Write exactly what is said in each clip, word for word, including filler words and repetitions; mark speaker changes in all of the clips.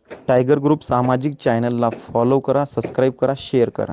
Speaker 1: Tiger group सामाजिक चॅनलला follow करा, सबस्क्राईब करा, शेअर करा.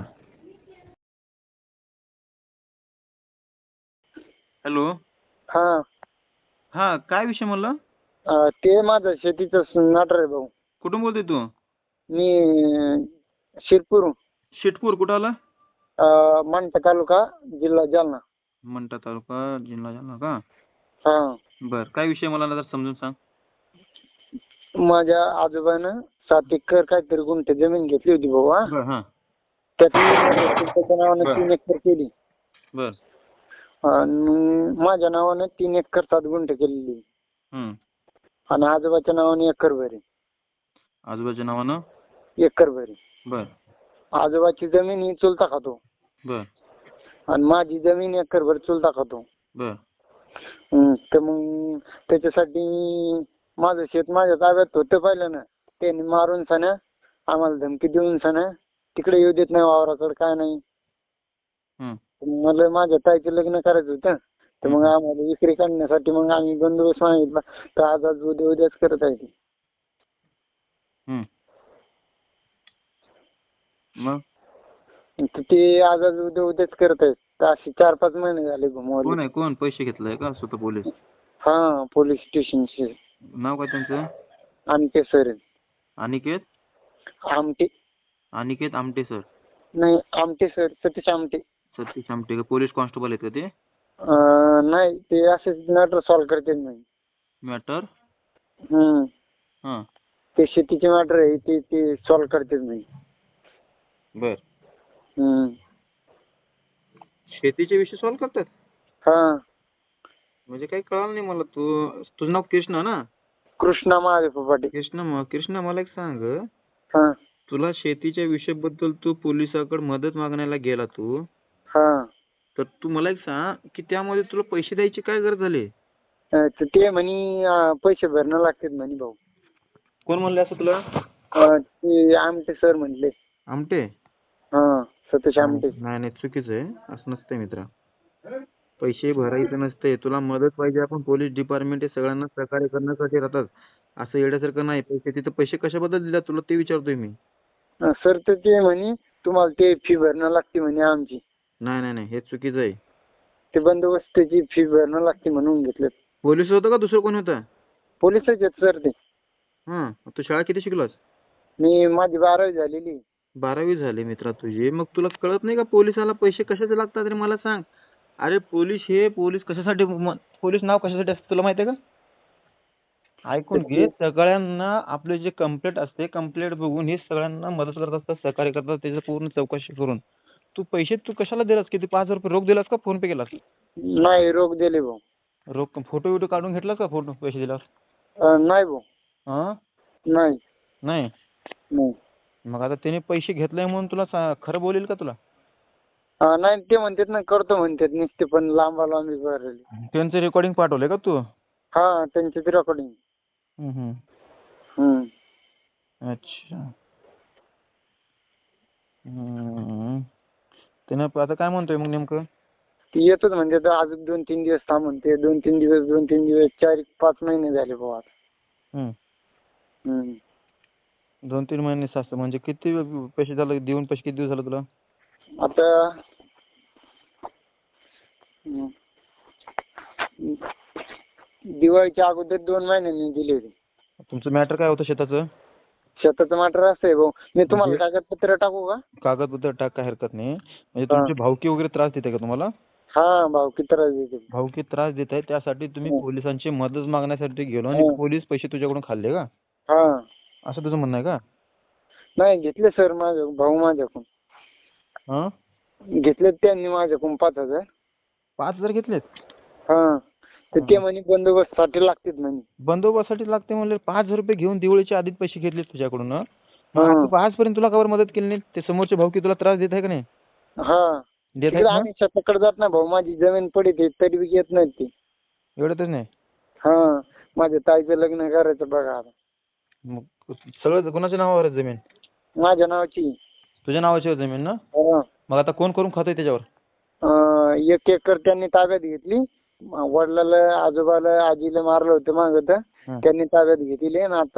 Speaker 2: हॅलो.
Speaker 3: हा
Speaker 2: हा काय विषय म्हणला?
Speaker 3: अं, ते माझं शेतीचं मॅटर आहे भाऊ.
Speaker 2: कुठून बोलतोय तू?
Speaker 3: मी अं, शिरपूर
Speaker 2: शेटपूर कुठं आला?
Speaker 3: अं, मंठा तालुका जिल्हा जालना.
Speaker 2: मंठा तालुका जिल्हा जालना का?
Speaker 3: हा
Speaker 2: बर काय विषय मला जरा समजून सांग.
Speaker 3: माझ्या आजोबानं सात एकर काहीतरी गुंठे जमीन घेतली होती भाऊ. हा
Speaker 2: बर हा
Speaker 3: त्यातली त्याच्या नावानं
Speaker 2: बर.
Speaker 3: तीन एकर केली
Speaker 2: बर
Speaker 3: आणि माझ्या नावानं तीन एकर सात गुंठे केलेली
Speaker 2: हम्म.
Speaker 3: आणि आजोबाच्या नावाने एकर भरी
Speaker 2: आजोबाच्या नावानं
Speaker 3: एकर भरी.
Speaker 2: बर
Speaker 3: आजोबाची जमीन ही चुलता खातो
Speaker 2: बर
Speaker 3: आणि माझी जमीन एकर भर चुलता खातो.
Speaker 2: बर
Speaker 3: हम्म, तर मग त्याच्यासाठी माझं शेत माझ्या ताब्यात होतं पहिलं ना. त्यांनी मारून सना आम्हाला धमकी देऊन सना तिकडे येऊ देत नाही वावराकडे काय नाही.
Speaker 2: हम्म.
Speaker 3: मला माझ्या ताईचं लग्न करायचं होतं तर मग आम्हाला विक्री काढण्यासाठी मग आम्ही बंदोबस्त मागितला तर आज आज उद्या उद्याच करत आहे ती.
Speaker 2: हम्म. मग
Speaker 3: तर ते आज आज उद्या उद्याच करत आहेत. तर असे चार पाच महिने झाले घुमवले.
Speaker 2: कोण आहे कोण पैसे घेतलाय का स्वतः पोलीस?
Speaker 3: हा पोलीस स्टेशनचे
Speaker 2: नाव काय त्यांचं?
Speaker 3: Amte sir
Speaker 2: Aniket
Speaker 3: Amte
Speaker 2: Aniket Amte sir.
Speaker 3: नाही आमटे सर सतीश आमटे.
Speaker 2: सतीश आमटे का पोलीस कॉन्स्टेबल आहेत का ते?
Speaker 3: अं, नाही ते असेच मॅटर सॉल्व्ह करते नाही.
Speaker 2: मॅटर
Speaker 3: हम्म
Speaker 2: हा
Speaker 3: ते शेतीचे मॅटर आहे ते ते सॉल्व्ह करतेच नाही.
Speaker 2: बर.
Speaker 3: हम्म
Speaker 2: शेतीचे विषय सॉल्व्ह करतात
Speaker 3: हा
Speaker 2: म्हणजे काही कळलं नाही मला. तू तुझं नाव कृष्णा ना?
Speaker 3: कृष्णा महादेव पाटील.
Speaker 2: कृष्णा म कृष्णा मला एक सांग,
Speaker 3: हा
Speaker 2: तुला शेतीच्या विषयाबद्दल तू पोलिसाकडे मदत मागण्याला गेला तू,
Speaker 3: हा
Speaker 2: तर तू मला एक सांग की त्यामध्ये तुला पैसे द्यायची काय गरज झाली?
Speaker 3: अं, तर ते म्हणे अं, पैसे भरणं लागतात म्हणे भाऊ.
Speaker 2: कोण म्हणले असं तुला?
Speaker 3: अं, ते आमटे सर म्हणले.
Speaker 2: आमटे?
Speaker 3: हा सतीश आमटे.
Speaker 2: नाही नाही चुकीचं आहे, असं नसतंय मित्रा. पैसे भरायचं नसते, तुला मदत पाहिजे. आपण पोलीस डिपार्टमेंट हे सगळ्यांना सहकार्य करण्यासाठी राहतात. असं येण्यासारखं नाही. पैसे तिथं पैसे कशाबद्दल दिला तुला ते विचारतोय मी.
Speaker 3: अं, सर तर ते म्हणे तुम्हाला ते फी भरणं लागते म्हणे आमची.
Speaker 2: नाही नाही नाही हे चुकीचं आहे.
Speaker 3: ते बंदोबस्ताची फी भरणं लागते म्हणून घेतलं.
Speaker 2: पोलीस होतं का दुसरं कोण होतं?
Speaker 3: पोलिसच आहेत सर ते.
Speaker 2: हां तू शाळा किती शिकलास?
Speaker 3: मी माझी बारावी झालेली.
Speaker 2: बारावी झाली मित्रा तुझी. मग तुला कळत नाही का पोलिसाला पैसे कशाचे लागतात रे? मला सांग. अरे पोलीस हे पोलीस कशासाठी म- पोलीस नाव कशासाठी असतं तुला माहिती आहे का? ऐकून घे. सगळ्यांना आपले जे कंप्लेंट असते कंप्लेंट बघून हे सगळ्यांना मदत करत असतात, सहकार्य करतात, त्याची पूर्ण चौकशी करून. तू पैसे तू कशाला दिलास? किती पाच हजार रुपये रोख दिलास का फोन पे केलास?
Speaker 3: नाही रोख दिले भाऊ.
Speaker 2: रोख फोटो बिटो काढून घेतलास का फोटो पैसे दिलास?
Speaker 3: अं, नाही भाऊ.
Speaker 2: हां
Speaker 3: नाही
Speaker 2: नाही.
Speaker 3: नाही
Speaker 2: मग आता त्याने पैसे घेतले म्हणून तुला सा- खरं बोलेल का तुला?
Speaker 3: अं, नाही ते म्हणतात ना करतो म्हणतात नुसते पण लांबा लांबी भरलेली.
Speaker 2: त्यांचं रेकॉर्डिंग पाठवलंय का तू?
Speaker 3: हा त्यांची ती रेकॉर्डिंग.
Speaker 2: हम्म, हम्म.
Speaker 3: हम्म
Speaker 2: अच्छा. हम्म. त्यानं आता काय म्हणतोय मग नेमकं?
Speaker 3: ती येतच म्हणते तर अजून दोन तीन दिवस थांब म्हणते. दोन तीन दिवस दोन तीन दिवस चार पाच महिने झाले भाऊ आता.
Speaker 2: हम्म.
Speaker 3: हम्म.
Speaker 2: दोन तीन महिने सास म्हणजे किती पैसे झाले देऊन? पैसे किती दिवस झाले तुला?
Speaker 3: आता हम्म. दिवाळीच्या अगोदर दोन महिन्यांनी दिले होते.
Speaker 2: तुमचं मॅटर काय होतं शेताचं?
Speaker 3: शेताचं मॅटर असं आहे भाऊ. मी तुम्हाला कागदपत्र टाकू का?
Speaker 2: कागदपत्र टाक, काय हरकत नाही. म्हणजे तुमची भावकी वगैरे त्रास देते का तुम्हाला?
Speaker 3: हा भाऊ किती त्रास देते.
Speaker 2: भावकी त्रास देत आहे त्यासाठी तुम्ही
Speaker 3: हो.
Speaker 2: पोलिसांची मदत मागण्यासाठी गेलो आणि
Speaker 3: हो.
Speaker 2: पोलीस पैसे तुझ्याकडून खाल्ले का?
Speaker 3: हा
Speaker 2: असं तुझं म्हणणं आहे का?
Speaker 3: नाही घेतले सर माझ्या भाऊ माझ्याकडून.
Speaker 2: हां
Speaker 3: घेतलेत त्यांनी माझ्याकडून पाच हजार.
Speaker 2: पाच हजार घेतलेत?
Speaker 3: हा तर ते म्हणे बंदोबस्तासाठी लागतात म्हणे.
Speaker 2: बंदोबस्तासाठी लागते म्हणले पाच हजार रुपये घेऊन दिवाळीच्या आधीच पैसे घेतले तुझ्याकडून. हं? मग
Speaker 3: हा.
Speaker 2: आता आजपर्यंत तुला कवर मदत केली नाही? ते समोरचे भाऊ की तुला त्रास देत आहे का नाही?
Speaker 3: हा
Speaker 2: देत
Speaker 3: तिकडे
Speaker 2: आहेत ना?
Speaker 3: आम्ही शेताकडे जात नाही भाऊ. माझी जमीन पडीत तरी बी घेत नाहीत ते.
Speaker 2: एवढंच नाही?
Speaker 3: हा माझ्या ताईचं लग्न करायचं बघा आता.
Speaker 2: मग सगळं कोणाच्या नावावर आहे जमीन?
Speaker 3: माझ्या नावाची.
Speaker 2: तुझ्या नावाची आहे जमीन ना?
Speaker 3: हा.
Speaker 2: मग आता कोण करून खातोय त्याच्यावर?
Speaker 3: अं, एक एकर त्यांनी ताब्यात घेतली. वडिलाला आजोबाला आजीला मारलं होतं मागं तर
Speaker 2: हं.
Speaker 3: त्यांनी ताब्यात घेतली आणि आता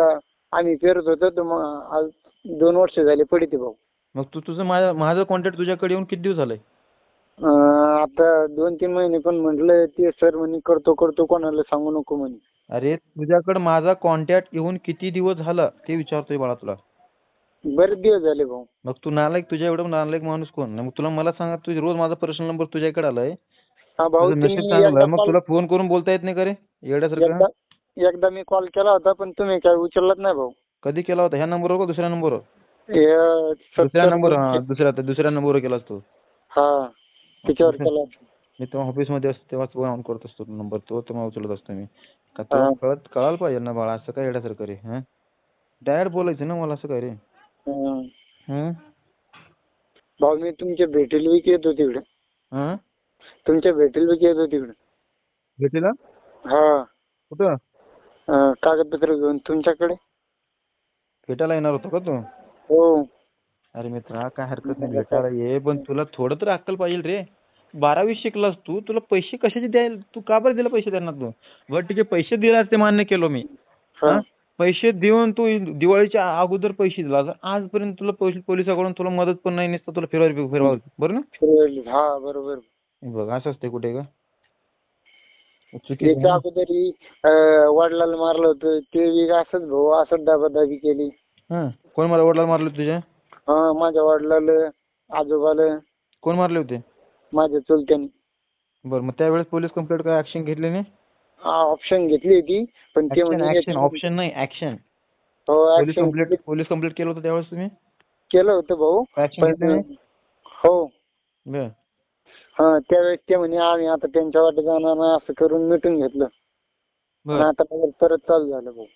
Speaker 3: आम्ही पेरत होतो तर मग आज दोन वर्ष झाले पडिते भाऊ.
Speaker 2: मग तू तुझं माझा माझं कॉन्टॅक्ट तुझ्याकडे येऊन किती दिवस झालंय?
Speaker 3: अं, आता दोन तीन महिने पण म्हटलं ते सर म्हणे करतो करतो कोणाला सांगू नको म्हणे.
Speaker 2: अरे तुझ्याकडे माझा कॉन्टॅक्ट येऊन किती दिवस झाला ते विचारतोय बाळा तुला.
Speaker 3: बरेच दिवस झाले भाऊ.
Speaker 2: मग तू नालायक, तुझ्या एवढं नालायक माणूस कोण? मग तुला मला सांगा, तुझी रोज माझा पर्सनल नंबर तुझ्याकडे आलाय,
Speaker 3: हा भाऊ
Speaker 2: तुझं नशीब
Speaker 3: तुम्ही
Speaker 2: चांगलं
Speaker 3: एकदा
Speaker 2: आहे. मग
Speaker 3: कॉल
Speaker 2: तुला फोन करून बोलता येत नाही का रे येड्यासारखं?
Speaker 3: एकदा एकदा मी कॉल केला होता पण तुम्ही काय उचललाच नाही भाऊ.
Speaker 2: कधी केला होता? ह्या नंबरवर का दुसऱ्या नंबरवर?
Speaker 3: हे
Speaker 2: दुसऱ्या
Speaker 3: सत्तर
Speaker 2: नंबर हा दुसऱ्या दुसऱ्या नंबरवर केलास तू.
Speaker 3: हा त्याच्यावर केला होता.
Speaker 2: मी तेव्हा ऑफिसमध्ये असतो तेव्हाच ऑन करत असतो नंबर, तो तेव्हा उचलत असतो मी. का
Speaker 3: हा.
Speaker 2: तुला कळत कळायला पाहिजे ना बाळा, असं काय येड्यासारखं रे? हा डायरेक्ट बोलायचं ना मला, असं काय रे?
Speaker 3: हं.
Speaker 2: हं?
Speaker 3: भाऊ मी तुमच्या भेटीला बी येतो तिकडे.
Speaker 2: हं?
Speaker 3: तुमच्या भेटीला बी येतो तिकडे.
Speaker 2: भेटीला?
Speaker 3: हा.
Speaker 2: कुठं?
Speaker 3: अं, कागदपत्र घेऊन तुमच्याकडे.
Speaker 2: भेटायला येणार होतो का तू?
Speaker 3: हो.
Speaker 2: अरे मित्रा काय हरकत नाही, भेटायला ये, पण तुला थोडं तर अक्कल पाहिजे रे. बारावी शिकलास तू, तुला पैसे कशाचे द्यायला, तू का बरं दिले पैसे त्यांना तू? बरं ठीक आहे, पैसे दिलास ते मान्य केलो मी.
Speaker 3: हा.
Speaker 2: हा पैसे देऊन तू दिवाळीच्या अगोदर पैसे दिला, आजपर्यंत तुला पोलीस पोलिसाकडून तुला मदत पण नाही, नुसतं तुला फिरवा फिरवा बरं ना?
Speaker 3: फिरवली. हा बरोबर.
Speaker 2: बघ असं असते कुठे का? चुकीचं आहे
Speaker 3: याच्या
Speaker 2: ना?
Speaker 3: अगोदरी अं, वडिलाला मारलं होतं ते बी असंच भाऊ असंच दाबादाबी केली.
Speaker 2: हं. कोण मला वडिलांना मारले तुझ्या?
Speaker 3: हा माझ्या वडिलाला आजोबाला
Speaker 2: कोण मारले होते?
Speaker 3: माझ्या चुलत्याने.
Speaker 2: बरं मग त्यावेळेस पोलीस कंप्लेंट काय ऍक्शन घेतली नाही?
Speaker 3: ऑप्शन घेतली होती पण ते
Speaker 2: ऍक्शन
Speaker 3: म्हणजे
Speaker 2: ऍक्शन ऑप्शन नाही ऍक्शन.
Speaker 3: हो
Speaker 2: police
Speaker 3: action
Speaker 2: complaint police complaint केलं होतं त्यावेळेस तुम्ही?
Speaker 3: केलं होतं भाऊ.
Speaker 2: ऍक्शन घेतली
Speaker 3: पण
Speaker 2: नाही?
Speaker 3: हो.
Speaker 2: बरं.
Speaker 3: हा त्यावेळेस ते म्हणे आम्ही आता त्यांच्या वाटे जाणार नाही असं करून मिटून घेतलं. पण
Speaker 2: बरं.
Speaker 3: आता परत परत चालू झालं भाऊ.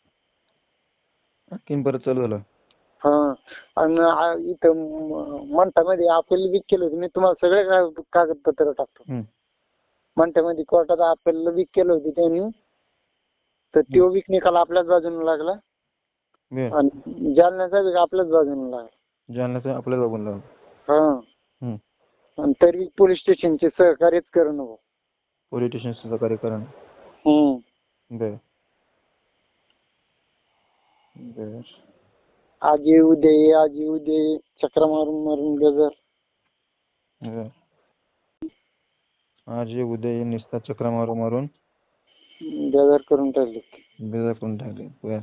Speaker 2: आणखीन परत चालू झालं.
Speaker 3: हा आणि आ- इथं म- मंठामध्ये अपील बी केलं होतं मी, तुम्हाला सगळे कागद- कागदपत्र टाकतो.
Speaker 2: हं.
Speaker 3: मंठामध्ये कोर्टात अपील बी केलं होतं त्यांनी, तर तो बी निकाल आपल्याच बाजूने लागला
Speaker 2: बरं.
Speaker 3: आणि जालन्याचा बी आपल्याच बाजूने लागला.
Speaker 2: जालन्याचं आपल्याला बघून लावलं.
Speaker 3: हा
Speaker 2: हं.
Speaker 3: आणि तरी पोलीस स्टेशनचे सहकार्यच करणं भाऊ.
Speaker 2: पोलीस स्टेशन सहकार्य करणं.
Speaker 3: हम्म.
Speaker 2: बरं. बरं.
Speaker 3: आज ये उद्या ये आज ये उद्या ये चक्रा मारून मारून गजर.
Speaker 2: बरं. आज ये उद्या ये नुसता चक्रा मारून मारून
Speaker 3: गजर करून टाकले.
Speaker 2: बेजार करून टाकले. बरं.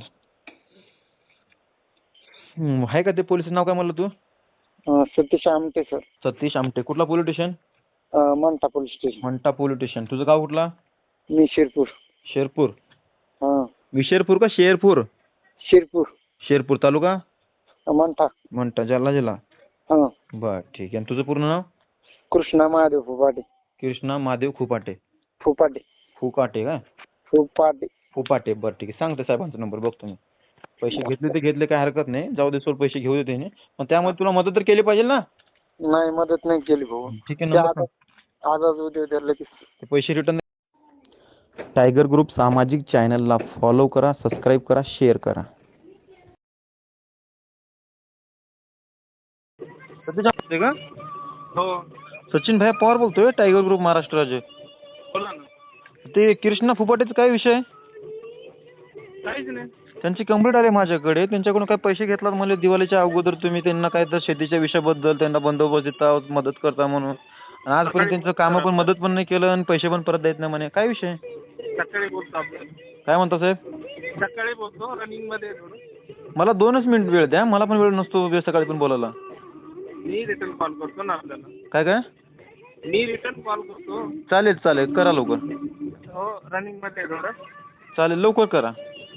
Speaker 2: हं, आहे का ते पोलिसाचं नाव काय म्हणलं तू?
Speaker 3: अं, सतीश आमटे सर.
Speaker 2: सतीश आमटे. कुठला पोलीस स्टेशन?
Speaker 3: अं, Mantha police station.
Speaker 2: Mantha police station. तुझं गाव कुठला?
Speaker 3: मी शिरपूर.
Speaker 2: शेरपूर.
Speaker 3: हा
Speaker 2: विशेरपूर का शेरपूर?
Speaker 3: शिरपूर.
Speaker 2: शेरपूर तालुका?
Speaker 3: मंठा.
Speaker 2: मंठा जालना जिल्हा.
Speaker 3: हा.
Speaker 2: बर ठीक आहे. आणि तुझं पूर्ण नाव?
Speaker 3: कृष्णा महादेव फुपाटे.
Speaker 2: कृष्णा महादेव खुपाटे.
Speaker 3: फुपाटे.
Speaker 2: फुकाटे काय?
Speaker 3: फुपाटे.
Speaker 2: फुपाटे. बरं ठीक आहे. सांगते साहेबांचा नंबर बघतो मी. पैसे घेतले ते घेतले काय हरकत नाही. जाऊ दे सोड, पैसे घेऊ दे त्याने. पण त्यामध्ये तुला मदत तर केली पाहिजे ना?
Speaker 3: नाही मदत नाही केली भाऊ.
Speaker 2: ठीक आहे.
Speaker 3: ते
Speaker 2: नंबर
Speaker 3: आता
Speaker 2: सांग.
Speaker 3: आज आज उद्या उद्या लगेच.
Speaker 2: ते पैसे रिटर्न.
Speaker 1: टायगर ग्रुप सामाजिक चॅनलला फॉलो करा, सबस्क्राईब करा, शेअर करा.
Speaker 2: सतीश आमटे का?
Speaker 4: हो
Speaker 2: सचिन भाई पवार बोलतोय, टायगर ग्रुप महाराष्ट्र राज्य.
Speaker 4: बोला ना.
Speaker 2: ते कृष्णा फुपाटेचा काय विषय?
Speaker 4: काहीच नाही.
Speaker 2: त्यांची कंप्लेंट आली माझ्याकडे. त्यांच्याकडून काय पैसे घेतलात म्हणजे दिवाळीच्या अगोदर तुम्ही त्यांना काय तर शेतीच्या विषयाबद्दल त्यांना बंदोबस्त देता, मदत करता म्हणून. आणि आजपर्यंत त्यांचं कामं पण मदत पण नाही केलं आणि पैसे पण परत देत नाही म्हणे. काय विषय?
Speaker 4: सकाळी बोलतो आपण.
Speaker 2: काय म्हणता साहेब?
Speaker 4: सकाळी बोलतो, रनिंग मध्ये आहे थोडं.
Speaker 2: मला दोनच मिनिट वेळ द्या. मला पण वेळ नसतो वेळ सकाळी पण बोलायला.
Speaker 4: मी रिटर्न कॉल करतो ना आपल्याला.
Speaker 2: काय काय?
Speaker 4: मी रिटर्न कॉल करतो.
Speaker 2: चालेल चालेल, करा लवकर.
Speaker 4: हो रनिंग मध्ये आहे थोडं.
Speaker 2: चालेल लवकर करा.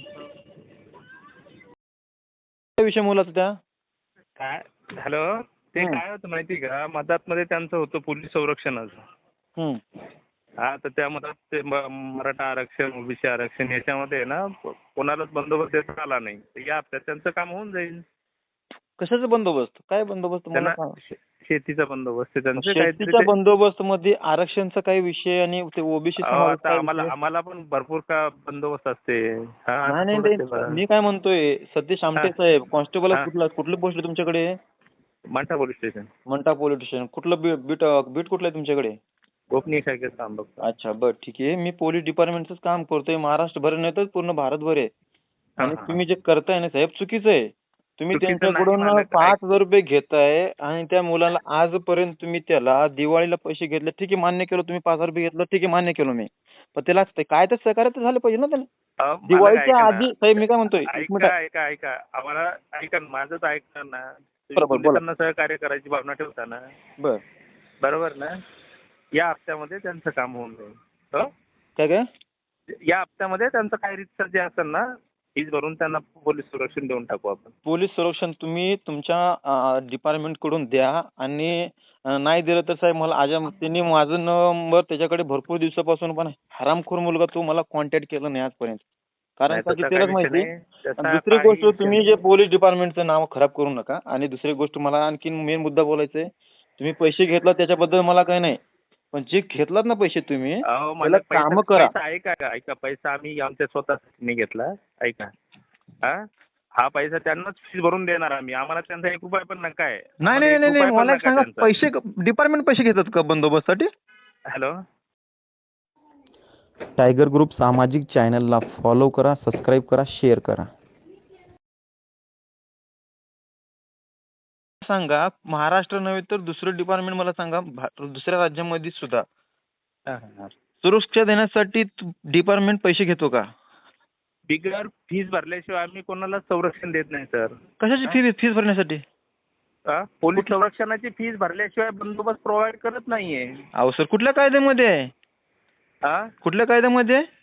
Speaker 2: काय विषय मुलाचा त्या?
Speaker 4: काय हॅलो. ते
Speaker 2: हं.
Speaker 4: काय होतं माहिती का, मधातमध्ये त्यांचं होतं पोलीस संरक्षणाचं.
Speaker 2: हं.
Speaker 4: हा तर त्या मधात ते म- मराठा आरक्षण, ओबीसी आरक्षण याच्यामध्ये ना कोणालाच बंदोबस्त देता आला नाही. तर या हप्त्यात त्यांचं काम होऊन जाईल.
Speaker 2: कशाचा बंदोबस्त? काय बंदोबस्त मला
Speaker 4: त्यांना
Speaker 2: सांग.
Speaker 4: शे- शेतीचा बंदोबस्त आहे त्यांचं काहीतरी
Speaker 2: शेतीच्या
Speaker 4: ते-
Speaker 2: बंदोबस्त मध्ये आरक्षणचा काही विषय आणि ते ओबीसी
Speaker 4: अहो, आता आम्हाला आम्हाला पण भरपूर का बंदोबस्त असते. हा,
Speaker 2: नाही नाही
Speaker 4: थोडंसं
Speaker 2: ते
Speaker 4: बघा.
Speaker 2: मी काय म्हणतोय, सतीश आमटे
Speaker 4: हा.
Speaker 2: साहेब कॉन्स्टेबल
Speaker 4: हा.
Speaker 2: कुठला कुठली पोस्ट आहे तुमच्याकडे?
Speaker 4: Mantha police station.
Speaker 2: Mantha police station. कुठलं बीट बीट बीट कुठलं आहे तुमच्याकडे?
Speaker 4: गोपनीय शाखेत काम बघतो.
Speaker 2: अच्छा बरं ठीक आहे. मी पोलीस डिपार्टमेंटच काम करतोय, महाराष्ट्रभर नाही तर पूर्ण भारतभर आहे. आणि
Speaker 4: हा.
Speaker 2: तुम्ही जे करताय ना साहेब चुकीचं आहे. तुम्ही
Speaker 4: चुकीचं नाही
Speaker 2: त्यांच्याकडून
Speaker 4: मालक.
Speaker 2: पाच हजार रुपये घेताय आणि त्या मुलाला आजपर्यंत तुम्ही त्याला दिवाळीला पैसे घेतले, ठीक आहे मान्य केलं, तुम्ही पाच हजार रुपये घेतलं, ठीक आहे मान्य केलं मी. पण त्याला ते काय तर सहकार्य तर झालं पाहिजे ना त्याला.
Speaker 4: अहो, मालक
Speaker 2: दिवाळीच्या
Speaker 4: ऐका ना.
Speaker 2: आधी साहेब मी काय म्हणतोय, एक मिनिट
Speaker 4: ऐका ऐका ऐका आम्हाला ऐका ना, माझंच ऐका ना. तुम्ही
Speaker 2: बरोबर, बोला.
Speaker 4: पोलिसांना सहकार्य करायची भावना ठेवता ना,
Speaker 2: बर
Speaker 4: बरोबर ना? या हप्त्यामध्ये त्यांचं काम होऊन जाईल. हो?
Speaker 2: काय काय
Speaker 4: या हप्त्यामध्ये त्यांचं काय रितसर जे असेल ना, फीज भरून त्यांना पोलीस संरक्षण देऊन टाकू आपण.
Speaker 2: पोलीस संरक्षण तुम्ही तुमच्या डिपार्टमेंट कडून द्या आणि अ, नाही दिलं तर साहेब मला आज त्यांनी माझा नंबर त्याच्याकडे भरपूर दिवसापासून पण हरामखोर मुलगा तो मला कॉन्टॅक्ट केला नाही आजपर्यंत. कारण
Speaker 4: नाही,
Speaker 2: का की
Speaker 4: तसा
Speaker 2: त्यालाच
Speaker 4: काही विषय
Speaker 2: माहिती.
Speaker 4: नाही. तसा
Speaker 2: आणि दुसरी
Speaker 4: काही
Speaker 2: गोष्ट
Speaker 4: विषय
Speaker 2: तुम्ही
Speaker 4: नाही.
Speaker 2: जे पोलीस डिपार्टमेंटचं नाव खराब करू नका. आणि दुसरी गोष्ट मला आणखीन मेन मुद्दा बोलायचा आहे, तुम्ही पैसे घेतला त्याच्याबद्दल मला काही नाही, पण जे घेतलात ना पैसे तुम्ही
Speaker 4: अहो
Speaker 2: त्याला
Speaker 4: मला पैसा
Speaker 2: कामं करा.
Speaker 4: पैसा ऐका का ऐका पैसा आम्ही आमच्या स्वतःसाठी नाही घेतला. ऐका हा हा पैसा त्यांनाच फीस भरून देणार आम्ही. आम्हाला त्यांचा एक रुपया पण नका आहे.
Speaker 2: नाही
Speaker 4: आम्हाला
Speaker 2: नाही
Speaker 4: एक
Speaker 2: नाही नाही
Speaker 4: रुपया पण
Speaker 2: मला एक
Speaker 4: नका
Speaker 2: सांगा,
Speaker 4: त्यांचा.
Speaker 2: पैसे डिपार्टमेंट पैसे घेतात का बंदोबस्तासाठी?
Speaker 4: हॅलो
Speaker 1: टायगर ग्रुप सामाजिक चॅनलला फॉलो करा, सबस्क्राईब करा, शेअर करा.
Speaker 2: सांगा महाराष्ट्र नव्हे तर दुसरं डिपार्टमेंट मला सांगा भा- दुसऱ्या राज्यामध्ये सुद्धा
Speaker 4: हा, हा, हा.
Speaker 2: सुरक्षा देण्यासाठी डिपार्टमेंट पैसे घेतो का?
Speaker 4: बिगर फीस भरल्याशिवाय आम्ही कोणाला संरक्षण देत नाही सर.
Speaker 2: कशाची फी फीस भरण्यासाठी?
Speaker 4: हा? पोलीस संरक्षणाची फीस भरल्याशिवाय बंदोबस्त प्रोव्हाइड करत नाहीये.
Speaker 2: अहो सर कुठल्या कायद्यामध्ये आहे?
Speaker 4: हा
Speaker 2: कुठल्या कायद्यामध्ये आहे?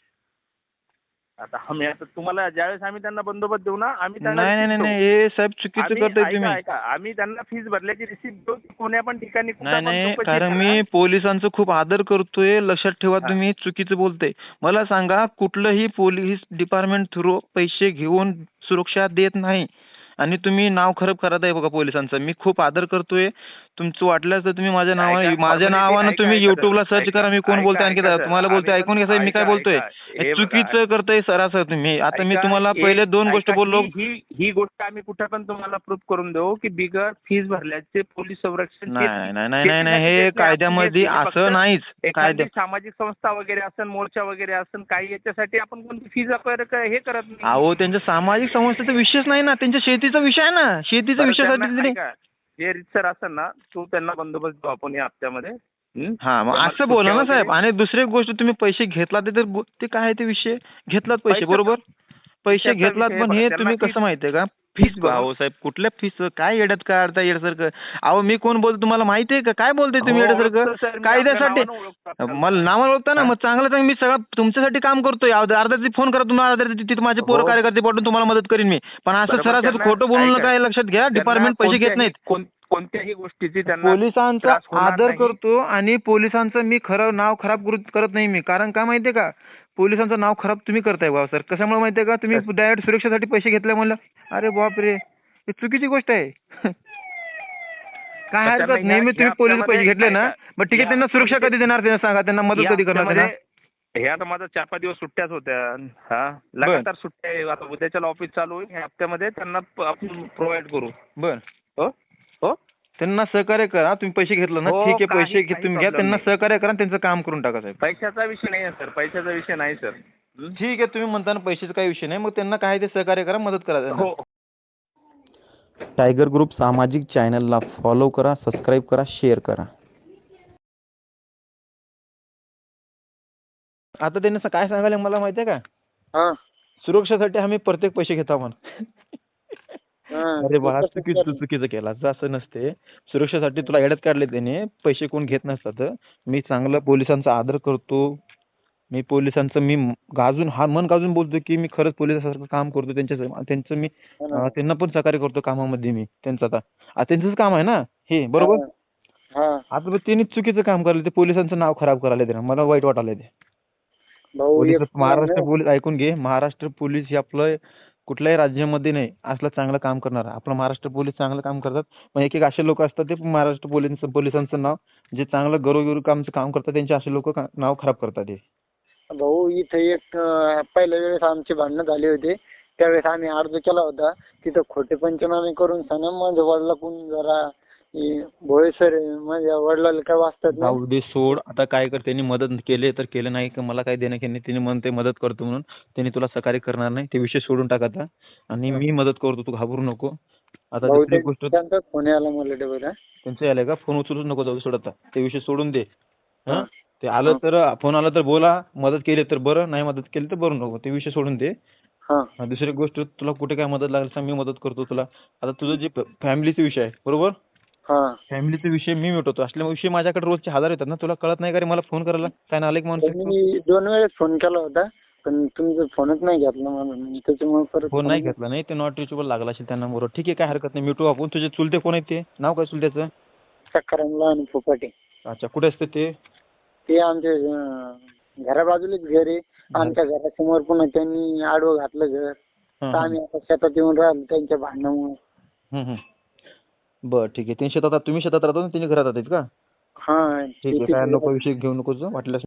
Speaker 4: आता आम्ही आता तुम्हाला ज्यावेळेस आम्ही त्यांना बंदोबस्त देऊ ना आम्ही त्यांना
Speaker 2: नाही नाही
Speaker 4: receipt
Speaker 2: नाही
Speaker 4: देऊ.
Speaker 2: हे साहेब चुकीचं
Speaker 4: आम्ही-
Speaker 2: करताय
Speaker 4: ऐका
Speaker 2: तुम्ही.
Speaker 4: ऐका आम्ही त्यांना फीस भरल्याची रिसिप्ट देऊ ती कोण्या पण ठिकाणी कुठं
Speaker 2: नाही
Speaker 4: पण
Speaker 2: नाही
Speaker 4: चौकशी
Speaker 2: कारण
Speaker 4: करा.
Speaker 2: मी पोलिसांचं खूप आदर करतोय, लक्षात ठेवा
Speaker 4: हा.
Speaker 2: तुम्ही चुकीचं बोलते. मला सांगा कुठलंही पोलीस डिपार्टमेंट थ्रू पैसे घेऊन सुरक्षा देत नाही आणि तुम्ही नाव खराब करत आहे बघा पोलिसांचं. मी खूप आदर करतोय. तुमचं वाटल्यास तर तुम्ही माझ्या नावाने
Speaker 4: ऐका,
Speaker 2: माझ्या
Speaker 4: formality
Speaker 2: नावानं
Speaker 4: ऐका,
Speaker 2: तुम्ही
Speaker 4: ऐका
Speaker 2: युट्यूबला
Speaker 4: सर,
Speaker 2: सर्च
Speaker 4: ऐका,
Speaker 2: करा मी कोण
Speaker 4: ऐका,
Speaker 2: बोलतोय आणखी
Speaker 4: ऐका सर.
Speaker 2: तुम्हाला बोलतोय
Speaker 4: आम्ही
Speaker 2: ऐकून घ्या साहेब मी काय
Speaker 4: ऐका,
Speaker 2: बोलतोय.
Speaker 4: ऐका.
Speaker 2: हे
Speaker 4: हे बघा.
Speaker 2: चुकीचं करताय सरासर तुम्ही. आता मी
Speaker 4: ऐका,
Speaker 2: तुम्हाला
Speaker 4: एक-
Speaker 2: पहिले दोन गोष्टी
Speaker 4: ऐका,
Speaker 2: बोललो.
Speaker 4: ही ही- ही गोष्ट आम्ही कुठं पण तुम्हाला प्रूफ करून देऊ की बिगर फीस भरल्याचे पोलीस संरक्षण
Speaker 2: नाही
Speaker 4: शेती-
Speaker 2: नाही नाही नाही नाही
Speaker 4: शेतीसाठी
Speaker 2: हे
Speaker 4: देत नाही.
Speaker 2: कायद्यामध्ये
Speaker 4: आपण हे फक्त
Speaker 2: असं नाहीच.
Speaker 4: एखादी
Speaker 2: कायद्या
Speaker 4: सामाजिक संस्था वगैरे असेल मोर्चा वगैरे असेल काही याच्यासाठी आपण कोणती फीज हे करत नाही.
Speaker 2: अहो त्यांच्या सामाजिक संस्थेचा विषयच नाही ना, त्यांच्या शेतीचा विषय आहे ना. शेतीचा
Speaker 4: बरं,
Speaker 2: विषयासाठी
Speaker 4: त्यांना-
Speaker 2: त्यांनी
Speaker 4: ऐका, जे रितसर असेल ना तो त्यांना बंदोबस्त देऊ आपण या हप्त्यामध्ये. हं?
Speaker 2: हा मग
Speaker 4: त्यांना
Speaker 2: असं बोला ना
Speaker 4: सुट्ट्या
Speaker 2: साहेब.
Speaker 4: वगैरे-
Speaker 2: आणि दुसरी एक गोष्ट तुम्ही पैसे घेतला ते तर गो- ते काय आहे ते विषय घेतलात पैसे
Speaker 4: पैशाचा-
Speaker 2: बरोबर पैसे
Speaker 4: पैशाचा
Speaker 2: घेतलात
Speaker 4: विषय
Speaker 2: पण
Speaker 4: बघा,
Speaker 2: हे
Speaker 4: त्यांना
Speaker 2: तुम्ही
Speaker 4: फीस-
Speaker 2: कसं माहितीये का
Speaker 4: फीस
Speaker 2: फीस
Speaker 4: भरून-
Speaker 2: अहो साहेब कुठल्या फीस काय येड्यात काढता येड्यासारखं. अहो मी कोण बोलतो तुम्हाला माहितीये का काय बोलतोय तुम्ही
Speaker 4: हो,
Speaker 2: येड्यासारखं
Speaker 4: ओळखतो सर, मी
Speaker 2: कायद्यासाठी.
Speaker 4: आपल्या नावानं ओळखतो आपल्याला.
Speaker 2: मला नावाला ओळखता ना
Speaker 4: हा?
Speaker 2: मग चांगलं चांगलं मी सगळं तुमच्यासाठी काम करतोय. अर्धा अर्धा फोन करा तुम्हाला अर्धा तिथे माझे पोरं
Speaker 4: हो.
Speaker 2: कार्यकर्ते पाठवून तुम्हाला मदत करीन मी. पण असं
Speaker 4: बरोबर,
Speaker 2: सरासर
Speaker 4: त्यांना-
Speaker 2: खोटं बोलून
Speaker 4: ऐका,
Speaker 2: नका हे लक्षात घ्या.
Speaker 4: त्यांना
Speaker 2: डिपार्टमेंट पैसे घेत
Speaker 4: कोणत्याही-
Speaker 2: नाहीत.
Speaker 4: कोण- कोणत्याही गोष्टीची त्यांना
Speaker 2: पोलिसांचा
Speaker 4: त्रास होणार
Speaker 2: आदर
Speaker 4: नाही.
Speaker 2: करतो आणि पोलिसांचं मी खरं नाव खराब करू- करत नाही मी. कारण काय माहितीये का पोलिसांचं नाव खराब तुम्ही करताय बा सर. कशामुळे माहितीये का तुम्ही डायरेक्ट सुरक्षेसाठी पैसे घेतले म्हणलं अरे बापरे हे चुकीची गोष्ट आहे. काय
Speaker 4: पण
Speaker 2: हरकत
Speaker 4: त्यांना
Speaker 2: नेहमी
Speaker 4: या-
Speaker 2: तुम्ही
Speaker 4: या
Speaker 2: पोलीस पैसे
Speaker 4: हप्त्यामध्ये
Speaker 2: घेतले ना
Speaker 4: ऐका,
Speaker 2: मग ठीक आहे
Speaker 4: या
Speaker 2: त्यांना सुरक्षा
Speaker 4: हप्त्यामध्ये-
Speaker 2: कधी देणार त्यांना सांगा त्यांना मदत
Speaker 4: या
Speaker 2: कधी करणार त्यांना.
Speaker 4: हप्त्यामध्ये- हे आता माझा चार पाच दिवस सुट्ट्याच होत्या. हा लगातार सुट्ट्या आहे. आता उद्याच्याला ऑफिस चालू होईल. ह्या हप्त्यामध्ये त्यांना प- आपण प्रोव्हाइड करू.
Speaker 2: बर
Speaker 4: हो हो
Speaker 2: त्यांना सहकार्य करा. तुम्ही पैसे घेतलं ना
Speaker 4: हो,
Speaker 2: ठीक आहे
Speaker 4: काही-
Speaker 2: पैसे घे
Speaker 4: काही
Speaker 2: तुम्ही घ्या
Speaker 4: problem
Speaker 2: त्यांना
Speaker 4: नाही.
Speaker 2: सहकार्य करा आणि त्यांचं काम करून टाका साहेब.
Speaker 4: पैशाचा विषय नाही आहे सर. पैशाचा विषय नाही सर. हं?
Speaker 2: ठीक आहे तुम्ही म्हणता ना पैशाचा काही विषय नाही मग त्यांना काय ते सहकार्य करा मदत करा त्यांना.
Speaker 4: हो
Speaker 1: टायगर ग्रुप सामाजिक चॅनलला फॉलो करा, सबस्क्राईब करा, शेअर करा.
Speaker 2: आता त्यांनी स- काय सांगायला मला माहितीये का
Speaker 3: हा
Speaker 2: सुरक्षेसाठी आम्ही प्रत्येक पैसे घेतो म्हणून.
Speaker 3: हा.
Speaker 2: अरे बाळा चुकीचं तू चुकीचं केला असं नसते. सुरक्षेसाठी तुला येड्यात काढले त्याने पैसे कोण घेत नसतात. मी चांगलं पोलिसांचा आदर करतो. मी पोलिसांचं मी म- गाजून हा मन गाजून बोलतो की मी खरंच पोलिसासारखं काम करतो. त्यांच्या त्यांचं मी
Speaker 3: हा ना.
Speaker 2: अं, त्यांना पण सहकार्य करतो कामामध्ये मी त्यांचं आता आता त्यांचंच काम आहे ना हे बरोबर.
Speaker 3: हा
Speaker 2: आता मग त्यांनी चुकीचं काम करायला ते पोलिसांचं नाव खराब करायला ते मला वाईट वाटायला ते.
Speaker 3: भाऊ
Speaker 2: पोलीस
Speaker 3: एक
Speaker 2: महाराष्ट्र पोलीस ऐकून घे महाराष्ट्र पोलीस हे आपलं कुठल्याही राज्यामध्ये नाही असलं चांगलं काम करणार. आपलं महाराष्ट्र पोलीस चांगलं काम करतात. पण एक एक असे लोक असतात ते महाराष्ट्र पोलीस पोलिसांचं नाव जे चांगलं गौरवगिरी कामचं काम करतात त्यांचे असे लोक नाव खराब करतात हे.
Speaker 3: भाऊ इथे एक अं, पहिल्या वेळेस आमची भांडणं झाली होती त्यावेळेस आम्ही अर्ज केला होता तिथं खोटे पंचनामे करून सना माझ्या वडिलाकडून जरा हे भोळे सर आहे, माझ्या वडिलाला काय वाचतात नाही.
Speaker 2: जाऊ दे सोड. आता काय कर, त्यांनी मदत केली तर केलं, नाही की मला काय देणं घेणं. त्यांनी म्हणते मदत करतो म्हणून, त्यांनी तुला सहकार्य करणार नाही. ते विषय सोडून टाक आता. आणि मी मदत करतो, तू घाबरू नको. आता दुसरी
Speaker 3: बहुतेक
Speaker 2: गोष्ट,
Speaker 3: त्यांचाच फोन आला मला डबल. हा?
Speaker 2: त्यांचं आलंय का? फोन उचलूच नको, जाऊ सोड आता. ते विषय सोडून दे.
Speaker 3: हा.
Speaker 2: हा ते आलं तर फोन आला तर बोला, मदत केली तर बरं, नाही मदत केली तर बरं नको. ते विषय सोडून दे.
Speaker 3: हा.
Speaker 2: हा, दुसरी गोष्ट, तुला कुठे काय मदत लागेल सांग, मी मदत करतो तुला. आता तुझं जे फॅमिलीचा विषय आहे बरोबर,
Speaker 3: हा.
Speaker 2: फॅमिलीचा विषय मी मिटवतो. असल्यामुळे विषय माझ्याकडे रोजचे हजार येतात ना, तुला कळत नाही का रे मला फोन करायला? काय नालायक माणूस आहे तू?
Speaker 3: मी दोन वेळेस फोन केला होता, पण तुमचा फोनच नाही घेतला मला, त्याच्यामुळे परत
Speaker 2: फोन नाही घेतला नाही, ते नॉट रिचेबल लागला असेल त्यांना. बरोबर, ठीक आहे, काय हरकत नाही, मिटू आपण. तुझे चुलते कोण आहेत ते? नाव काय चुलत्याचं?
Speaker 3: सकारामला आणि फुपाटे.
Speaker 2: अच्छा, कुठे असते ते?
Speaker 3: ते आमच्या अं, घराबाजूलाच घर आहे. आमच्या घरासमोर पुन्हा त्यांनी आडवं घातलं घर.
Speaker 2: हं,
Speaker 3: तर
Speaker 2: हं.
Speaker 3: आम्ही आता शेतात येऊन राहिलो त्यांच्या भांडणामुळे.
Speaker 2: हं, हं. बरं, ठीक आहे. ते शेतात, तुम्ही शेतात राहता, त्यांनी घरात राहतात का?
Speaker 3: हा.
Speaker 2: ठीक आहे, काय नको विषय घेऊ नको वाटल्यास